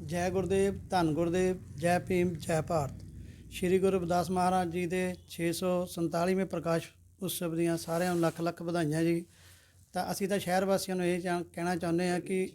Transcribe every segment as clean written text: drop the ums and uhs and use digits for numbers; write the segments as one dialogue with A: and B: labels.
A: ਜੈ ਗੁਰਦੇਵ, ਧੰਨ ਗੁਰਦੇਵ, ਜੈ ਭੀਮ, ਜੈ ਭਾਰਤ। ਸ਼੍ਰੀ ਗੁਰੂ ਰਵਿਦਾਸ ਮਹਾਰਾਜ ਜੀ ਦੇ 647ਵੇਂ ਪ੍ਰਕਾਸ਼ ਉਤਸਵ ਦੀਆਂ ਸਾਰਿਆਂ ਨੂੰ ਲੱਖ ਲੱਖ ਵਧਾਈਆਂ ਜੀ। ਤਾਂ ਅਸੀਂ ਤਾਂ ਸ਼ਹਿਰ ਵਾਸੀਆਂ ਨੂੰ ਇਹ ਕਹਿਣਾ ਚਾਹੁੰਦੇ ਹਾਂ ਕਿ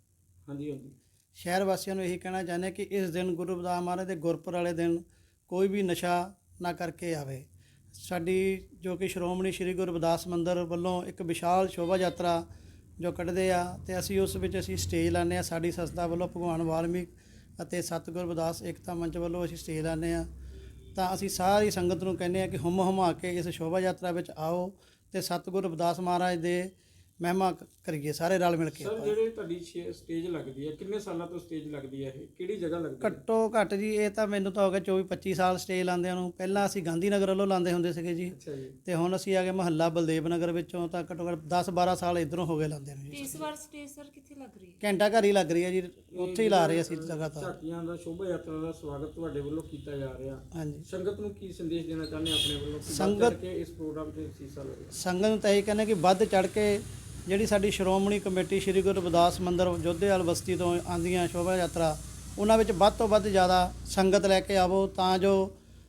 A: ਸ਼ਹਿਰ ਵਾਸੀਆਂ ਨੂੰ ਇਹੀ ਕਹਿਣਾ ਚਾਹੁੰਦੇ ਹਾਂ ਕਿ ਇਸ ਦਿਨ ਗੁਰੂ ਰਵਿਦਾਸ ਮਹਾਰਾਜ ਦੇ ਗੁਰਪੁਰ ਵਾਲੇ ਦਿਨ ਕੋਈ ਵੀ ਨਸ਼ਾ ਨਾ ਕਰਕੇ ਆਵੇ। ਸਾਡੀ ਜੋ ਕਿ ਸ਼੍ਰੋਮਣੀ ਸ਼੍ਰੀ ਗੁਰੂ ਰਵਿਦਾਸ ਮੰਦਰ ਵੱਲੋਂ ਇੱਕ ਵਿਸ਼ਾਲ ਸ਼ੋਭਾ ਯਾਤਰਾ ਜੋ ਕੱਢਦੇ ਆ ਅਤੇ ਅਸੀਂ ਉਸ ਵਿੱਚ ਅਸੀਂ ਸਟੇਜ ਲਾਉਂਦੇ ਹਾਂ। ਸਾਡੀ ਸੰਸਥਾ ਵੱਲੋਂ ਭਗਵਾਨ ਵਾਲਮੀਕ ਅਤੇ ਸਤਿਗੁਰ ਰਵਿਦਾਸ ਏਕਤਾ ਮੰਚ ਵੱਲੋਂ ਅਸੀਂ ਸਟੇਜ ਲਾਉਂਦੇ ਹਾਂ। ਤਾਂ ਅਸੀਂ ਸਾਰੀ ਸੰਗਤ ਨੂੰ ਕਹਿੰਦੇ ਹਾਂ ਕਿ ਹੁੰਮ ਹੁਮਾ ਕੇ ਇਸ ਸ਼ੋਭਾ ਯਾਤਰਾ ਵਿੱਚ ਆਓ ਅਤੇ ਸਤਿਗੁਰ ਰਵਿਦਾਸ ਮਹਾਰਾਜ ਦੇ ਮਹਿਮਾ ਕਰੀਏ ਸਾਰੇ ਰਲ ਮਿਲ ਕੇ।
B: ਸਰ ਜਿਹੜੇ ਤੁਹਾਡੀ ਸਟੇਜ ਲੱਗਦੀ ਹੈ, ਕਿੰਨੇ ਸਾਲਾਂ ਤੋਂ ਸਟੇਜ ਲੱਗਦੀ ਹੈ, ਇਹ ਕਿਹੜੀ ਜਗ੍ਹਾ ਲੱਗਦੀ ਹੈ?
A: ਘੱਟੋ ਘੱਟ ਜੀ ਇਹ ਤਾਂ ਮੈਨੂੰ ਤਾਂ ਹੋ ਗਿਆ 24-25 ਸਾਲ ਸਟੇਜ ਲਾਉਂਦਿਆਂ ਨੂੰ। ਪਹਿਲਾਂ ਅਸੀਂ ਗਾਂਧੀ ਨਗਰ ਵੱਲੋਂ ਲਾਉਂਦੇ ਹੁੰਦੇ ਸੀਗੇ ਜੀ, ਅਤੇ ਹੁਣ ਅਸੀਂ ਆ ਗਏ ਮੁਹੱਲਾ ਬਲਦੇਵ ਨਗਰ ਵਿੱਚੋਂ। ਤਾਂ ਘੱਟੋ ਘੱਟ 10-12 ਸਾਲ ਇੱਧਰੋਂ ਹੋ ਗਏ ਲਾਉਂਦੇ ਨੂੰ ਜੀ।
C: ਇਸ ਵਾਰ ਸਟੇਜ ਸਰ ਕਿੱਥੇ ਲੱਗ ਰਹੀ ਹੈ?
A: ਘੰਟਾ ਘਰ ਹੀ ਲੱਗ ਰਹੀ ਹੈ ਜੀ, ਉੱਥੇ ਹੀ ਲਾ ਰਹੇ ਅਸੀਂ ਲਗਾਤਾਰ।
B: ਝਾਕੀਆਂ ਦਾ ਸ਼ੋਭਾ ਯਾਤਰਾ ਦਾ ਸਵਾਗਤ ਤੁਹਾਡੇ ਵੱਲੋਂ ਕੀਤਾ ਜਾ ਰਿਹਾ।
A: ਹਾਂਜੀ,
B: ਸੰਗਤ ਨੂੰ ਕੀ ਸੰਦੇਸ਼ ਦੇਣਾ ਚਾਹੁੰਦੇ ਆਪਣੇ ਵੱਲੋਂ?
A: ਸੰਗਤ
B: ਕੇ ਇਸ ਪ੍ਰੋਗਰਾਮ 'ਤੇ ਹਿੱਸਾ ਲਵੇ।
A: ਸੰਗਤ ਨੂੰ ਤਾਂ ਇਹ ਕਹਿੰਦੇ ਕਿ ਵੱਧ ਚੜ੍ਹ ਕੇ ਜਿਹੜੀ ਸਾਡੀ ਸ਼੍ਰੋਮਣੀ ਕਮੇਟੀ ਸ਼੍ਰੀ ਗੁਰੂ ਰਵਿਦਾਸ ਮੰਦਰ ਜੋਧੇਵਾਲ ਬਸਤੀ ਤੋਂ ਆਉਂਦੀਆਂ ਸ਼ੋਭਾ ਯਾਤਰਾ, ਉਹਨਾਂ ਵਿੱਚ ਵੱਧ ਤੋਂ ਵੱਧ ਜ਼ਿਆਦਾ ਸੰਗਤ ਲੈ ਕੇ ਆਵੋ, ਤਾਂ ਜੋ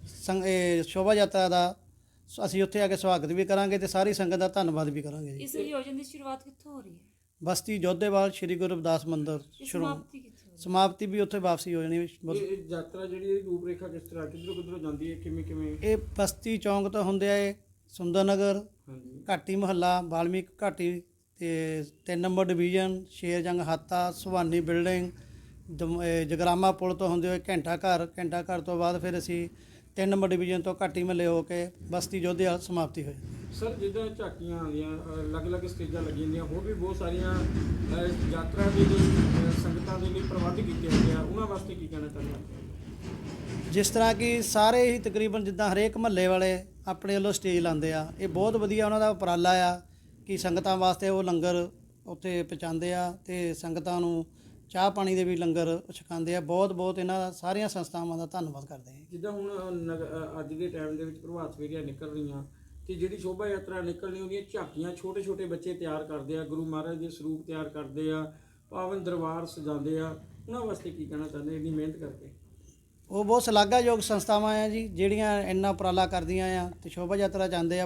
A: ਇਹ ਸ਼ੋਭਾ ਯਾਤਰਾ ਦਾ ਅਸੀਂ ਉੱਥੇ ਆ ਕੇ ਸਵਾਗਤ ਵੀ ਕਰਾਂਗੇ ਅਤੇ ਸਾਰੀ ਸੰਗਤ ਦਾ ਧੰਨਵਾਦ ਵੀ ਕਰਾਂਗੇ ਜੀ।
C: ਇਸ ਆਯੋਜਨ ਦੀ ਸ਼ੁਰੂਆਤ ਕਿੱਥੋਂ ਹੋ ਰਹੀ ਹੈ?
A: ਬਸਤੀ ਜੋਧੇਵਾਲ ਸ਼੍ਰੀ ਗੁਰੂ ਰਵਿਦਾਸ ਮੰਦਰ ਸਮਾਪਤੀ ਵੀ ਉੱਥੇ ਵਾਪਸੀ ਹੋ ਜਾਣੀ।
B: ਇਹ ਯਾਤਰਾ ਜਿਹੜੀ ਇਹ ਰੂਪ ਰੇਖਾ ਕਿਸ ਤਰ੍ਹਾਂ ਕਿੱਧਰੋਂ ਜਾਂਦੀ ਹੈ, ਕਿਵੇਂ?
A: ਇਹ ਬਸਤੀ ਚੌਂਕ ਤੋਂ ਹੁੰਦੇ ਆਏ ਸੁੰਦਰ ਨਗਰ, ਘਾਟੀ ਮੁਹੱਲਾ, ਵਾਲਮੀਕ ਘਾਟੀ ਅਤੇ 3 number division, Sherjang Hata, Suhani building, Jagrama ਪੁਲ ਤੋਂ ਹੁੰਦੇ ਹੋਏ ਘੰਟਾ ਘਰ ਤੋਂ ਬਾਅਦ ਫਿਰ ਅਸੀਂ 3 ਨੰਬਰ ਡਿਵੀਜ਼ਨ ਤੋਂ ਘਾਟੀ ਮਹੱਲੇ ਹੋ ਕੇ ਬਸਤੀ ਜੋਧੇਵਾਲ ਸਮਾਪਤੀ ਹੋਈ।
B: ਸਰ ਜਿੱਦਾਂ ਝਾਕੀਆਂ ਆਉਂਦੀਆਂ, ਅਲੱਗ-ਅਲੱਗ ਸਟੇਜਾਂ ਲੱਗੀਆਂ ਹੁੰਦੀਆਂ, ਹੋਰ ਵੀ ਬਹੁਤ ਸਾਰੀਆਂ ਯਾਤਰਾ ਦੇ ਲਈ ਸੰਗਤਾਂ ਦੇ ਲਈ ਪ੍ਰਬੰਧ ਕੀਤੇ ਹੁੰਦੇ ਆ, ਉਹਨਾਂ ਵਾਸਤੇ ਕੀ ਕਹਿਣਾ ਚਾਹੁੰਦੇ ਹੋ?
A: ਜਿਸ ਤਰ੍ਹਾਂ ਕਿ ਸਾਰੇ ਹੀ ਤਕਰੀਬਨ ਜਿੱਦਾਂ ਹਰੇਕ ਮਹੱਲੇ ਵਾਲੇ ਆਪਣੇ ਵੱਲੋਂ ਸਟੇਜ ਲਾਉਂਦੇ ਆ, ਇਹ ਬਹੁਤ ਵਧੀਆ ਉਹਨਾਂ ਦਾ ਉਪਰਾਲਾ ਆ ਕਿ ਸੰਗਤਾਂ ਵਾਸਤੇ ਉਹ ਲੰਗਰ ਉੱਥੇ ਪਹੁੰਚਾਉਂਦੇ ਆ ਅਤੇ ਸੰਗਤਾਂ ਨੂੰ ਚਾਹ ਪਾਣੀ ਦੇ ਵੀ ਲੰਗਰ ਛਕਾਉਂਦੇ ਆ। ਬਹੁਤ ਇਹਨਾਂ ਸਾਰੀਆਂ ਸੰਸਥਾਵਾਂ ਦਾ ਧੰਨਵਾਦ ਕਰਦੇ ਹਾਂ।
B: ਜਿੱਦਾਂ ਹੁਣ ਅੱਜ ਦੇ ਟਾਈਮ ਦੇ ਵਿੱਚ ਪ੍ਰਭਾਤ ਫੇਰੀਆਂ ਨਿਕਲ ਰਹੀਆਂ ਅਤੇ ਜਿਹੜੀ ਸ਼ੋਭਾ ਯਾਤਰਾ ਨਿਕਲਣੀ ਉਹਦੀਆਂ ਝਾਕੀਆਂ ਛੋਟੇ ਬੱਚੇ ਤਿਆਰ ਕਰਦੇ ਆ, ਗੁਰੂ ਮਹਾਰਾਜ ਦੇ ਸਰੂਪ ਤਿਆਰ ਕਰਦੇ ਆ, ਪਾਵਨ ਦਰਬਾਰ ਸਜਾਉਂਦੇ ਆ, ਉਹਨਾਂ ਵਾਸਤੇ ਕੀ ਕਹਿਣਾ ਚਾਹੁੰਦੇ ਇੰਨੀ ਮਿਹਨਤ ਕਰਕੇ?
A: ਉਹ ਬਹੁਤ ਸ਼ਲਾਘਾਯੋਗ ਸੰਸਥਾਵਾਂ ਆ ਜੀ, ਜਿਹੜੀਆਂ ਇੰਨਾ ਉਪਰਾਲਾ ਕਰਦੀਆਂ ਆ ਅਤੇ ਸ਼ੋਭਾ ਯਾਤਰਾ ਜਾਂਦੇ ਆ।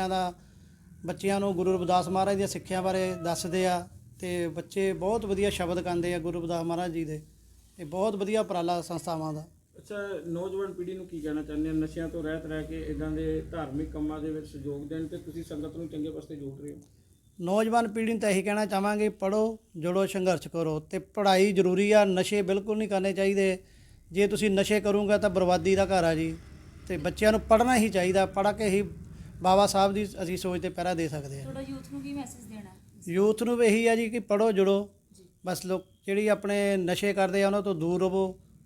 A: ਬੱਚਿਆਂ ਨੂੰ ਗੁਰੂ ਰਵਿਦਾਸ ਮਹਾਰਾਜ ਦੀਆਂ ਸਿੱਖਿਆ ਬਾਰੇ ਦੱਸਦੇ ਆ ਅਤੇ ਬੱਚੇ ਬਹੁਤ ਵਧੀਆ ਸ਼ਬਦ ਗਾਉਂਦੇ ਆ ਗੁਰੂ ਰਵਿਦਾਸ ਮਹਾਰਾਜ ਜੀ ਦੇ। ਇਹ ਬਹੁਤ ਵਧੀਆ ਉਪਰਾਲਾ ਸੰਸਥਾਵਾਂ ਦਾ।
B: ਅੱਛਾ, ਨੌਜਵਾਨ ਪੀੜ੍ਹੀ ਨੂੰ ਕੀ ਕਹਿਣਾ ਚਾਹੁੰਦੇ ਹੋ? ਨਸ਼ਿਆਂ ਤੋਂ ਰਹਿਤ ਰਹਿ ਕੇ ਇੱਦਾਂ ਦੇ ਧਾਰਮਿਕ ਕੰਮਾਂ ਦੇ ਵਿੱਚ ਸਹਿਯੋਗ ਦੇਣ ਅਤੇ ਤੁਸੀਂ ਸੰਗਤ ਨੂੰ ਚੰਗੇ ਪਾਸੇ ਜੋੜ ਰਹੇ ਹੋ।
A: ਨੌਜਵਾਨ ਪੀੜ੍ਹੀ ਨੂੰ ਤਾਂ ਇਹੀ ਕਹਿਣਾ ਚਾਹਾਂਗੇ, ਪੜ੍ਹੋ, ਜੁੜੋ, ਸੰਘਰਸ਼ ਕਰੋ ਅਤੇ ਪੜ੍ਹਾਈ ਜ਼ਰੂਰੀ ਆ। ਨਸ਼ੇ ਬਿਲਕੁਲ ਨਹੀਂ ਕਰਨੇ ਚਾਹੀਦੇ। ਜੇ ਤੁਸੀਂ ਨਸ਼ੇ ਕਰੋਗੇ ਤਾਂ ਬਰਬਾਦੀ ਦਾ ਘਰ ਆ ਜੀ। ਅਤੇ ਬੱਚਿਆਂ ਨੂੰ ਪੜ੍ਹਨਾ ਹੀ ਚਾਹੀਦਾ, ਪੜ੍ਹ ਕੇ ਹੀ ਬਾਬਾ ਸਾਹਿਬ ਦੀ ਅਸੀਂ ਸੋਚ 'ਤੇ ਪਹਿਰਾ ਦੇ ਸਕਦੇ ਹਾਂ।
C: ਤੁਹਾਡਾ ਯੂਥ ਨੂੰ ਕੀ ਮੈਸੇਜ ਦੇਣਾ?
A: ਯੂਥ ਨੂੰ ਵੀ ਇਹੀ ਆ ਜੀ ਕਿ ਪੜ੍ਹੋ, ਜੁੜੋ, ਬਸ ਜਿਹੜੀ ਆਪਣੇ ਨਸ਼ੇ ਕਰਦੇ ਆ ਉਹਨਾਂ ਤੋਂ ਦੂਰ ਰਹੋ।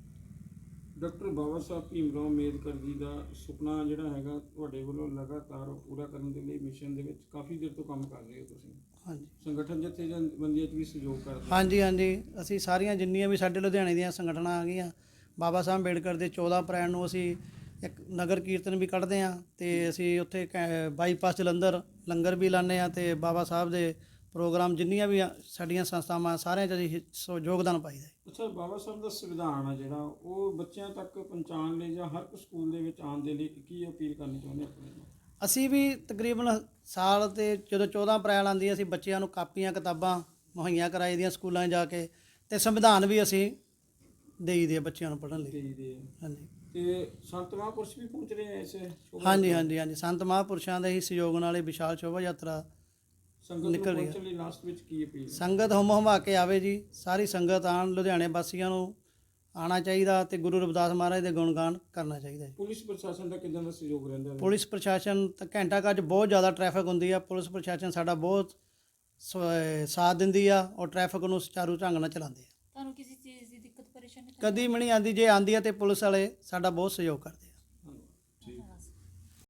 B: ਡਾਕਟਰ ਬਾਬਾ ਸਾਹਿਬ ਭੀਮ ਰਾਓ ਅੰਬੇਦਕਰ ਜੀ ਦਾ ਸੁਪਨਾ ਜਿਹੜਾ ਹੈਗਾ ਤੁਹਾਡੇ ਵੱਲੋਂ ਲਗਾਤਾਰ ਪੂਰਾ ਕਰਨ ਦੇ ਲਈ ਮਿਸ਼ਨ ਦੇ ਵਿੱਚ ਕਾਫੀ ਦੇਰ ਤੋਂ ਕੰਮ ਕਰ ਰਹੇ ਹੋ ਤੁਸੀਂ।
A: ਹਾਂਜੀ,
B: ਸੰਗਠਨ ਜਥੇਬੰਦੀਆਂ 'ਚ ਵੀ ਸਹਿਯੋਗ ਕਰਦੇ?
A: ਹਾਂਜੀ, ਅਸੀਂ ਸਾਰੀਆਂ ਜਿੰਨੀਆਂ ਵੀ ਸਾਡੇ ਲੁਧਿਆਣੇ ਦੀਆਂ ਸੰਗਠਨਾਂ ਆ ਗਈਆਂ, ਬਾਬਾ ਸਾਹਿਬ ਅੰਬੇਦਕਰ ਦੇ 14 ਅਪ੍ਰੈਲ ਨੂੰ ਅਸੀਂ ਇੱਕ ਨਗਰ ਕੀਰਤਨ ਵੀ ਕੱਢਦੇ ਹਾਂ ਅਤੇ ਅਸੀਂ ਉੱਥੇ ਬਾਈਪਾਸ ਜਲੰਧਰ ਲੰਗਰ ਵੀ ਲਾਉਂਦੇ ਹਾਂ ਅਤੇ ਬਾਬਾ ਸਾਹਿਬ ਦੇ ਪ੍ਰੋਗਰਾਮ ਜਿੰਨੀਆਂ ਵੀ ਸਾਡੀਆਂ ਸੰਸਥਾਵਾਂ ਸਾਰਿਆਂ 'ਚ ਅਸੀਂ ਯੋਗਦਾਨ ਪਾਈਦਾ।
B: ਅੱਛਾ, ਬਾਬਾ ਸਾਹਿਬ ਦਾ ਸੰਵਿਧਾਨ ਆ ਜਿਹੜਾ ਉਹ ਬੱਚਿਆਂ ਤੱਕ ਪਹੁੰਚਾਉਣ ਲਈ ਜਾਂ ਹਰ ਇੱਕ ਸਕੂਲ ਦੇ ਵਿੱਚ ਆਉਣ ਦੇ ਲਈ ਕੀ ਅਪੀਲ ਕਰਨੀ ਚਾਹੁੰਦੇ ਆਪਣੇ ਨੂੰ?
A: ਅਸੀਂ ਵੀ ਤਕਰੀਬਨ ਸਾਲ 'ਤੇ ਜਦੋਂ 14 ਅਪ੍ਰੈਲ ਆਉਂਦੀ ਅਸੀਂ ਬੱਚਿਆਂ ਨੂੰ ਕਾਪੀਆਂ ਕਿਤਾਬਾਂ ਮੁਹੱਈਆ ਕਰਾਈ ਦੀਆਂ ਸਕੂਲਾਂ 'ਚ ਜਾ ਕੇ, ਅਤੇ ਸੰਵਿਧਾਨ ਵੀ ਅਸੀਂ ਦੇਈਦੇ ਆ ਬੱਚਿਆਂ ਨੂੰ ਪੜ੍ਹਨ ਲਈ। ਹਾਂਜੀ,
B: ਅਤੇ ਸੰਤ ਮਹਾਂਪੁਰਸ਼ ਵੀ ਪਹੁੰਚ ਰਹੇ ਆ ਇਸ?
A: ਹਾਂਜੀ, ਸੰਤ ਮਹਾਂਪੁਰਸ਼ਾਂ ਦੇ ਹੀ ਸਹਿਯੋਗ ਨਾਲ ਇਹ ਵਿਸ਼ਾਲ ਸ਼ੋਭਾ ਯਾਤਰਾ ਨਿਕਲ ਰਹੀ ਹੈ।
B: ਲਾਸਟ ਵਿੱਚ ਕੀ ਅਪੀਲ?
A: ਸੰਗਤ ਹੁੰਮ ਹੁਮਾ ਕੇ ਆਵੇ ਜੀ, ਸਾਰੀ ਸੰਗਤ ਆਉਣ, ਲੁਧਿਆਣੇ ਵਾਸੀਆਂ ਨੂੰ ਆਉਣਾ ਚਾਹੀਦਾ ਅਤੇ ਗੁਰੂ ਰਵਿਦਾਸ ਮਹਾਰਾਜ ਦੇ ਗੁਣਗਾਨ ਕਰਨਾ ਚਾਹੀਦਾ ਜੀ।
B: ਪੁਲਿਸ ਪ੍ਰਸ਼ਾਸਨ ਦਾ ਕਿੱਦਾਂ ਦਾ ਸਹਿਯੋਗ ਰਹਿੰਦਾ?
A: ਪੁਲਿਸ ਪ੍ਰਸ਼ਾਸਨ ਤਾਂ ਘੰਟਾ ਘਰ 'ਚ ਬਹੁਤ ਜ਼ਿਆਦਾ ਟ੍ਰੈਫਿਕ ਹੁੰਦੀ ਆ। ਪੁਲਿਸ ਪ੍ਰਸ਼ਾਸਨ ਸਾਡਾ ਬਹੁਤ ਸਾਥ ਦਿੰਦੀ ਆ ਔਰ ਟ੍ਰੈਫਿਕ ਨੂੰ ਸੁਚਾਰੂ ਢੰਗ ਨਾਲ ਚਲਾਉਂਦੇ ਆ।
C: ਤੁਹਾਨੂੰ ਕਿਸੇ ਚੀਜ਼ ਦੀ ਦਿੱਕਤ ਪਰੇਸ਼ਾਨੀ
A: ਕਦੀ ਵੀ ਨਹੀਂ ਆਉਂਦੀ, ਜੇ ਆਉਂਦੀ ਆ ਤਾਂ ਪੁਲਿਸ ਵਾਲੇ ਸਾਡਾ ਬਹੁਤ ਸਹਿਯੋਗ ਕਰਦੇ ਆ।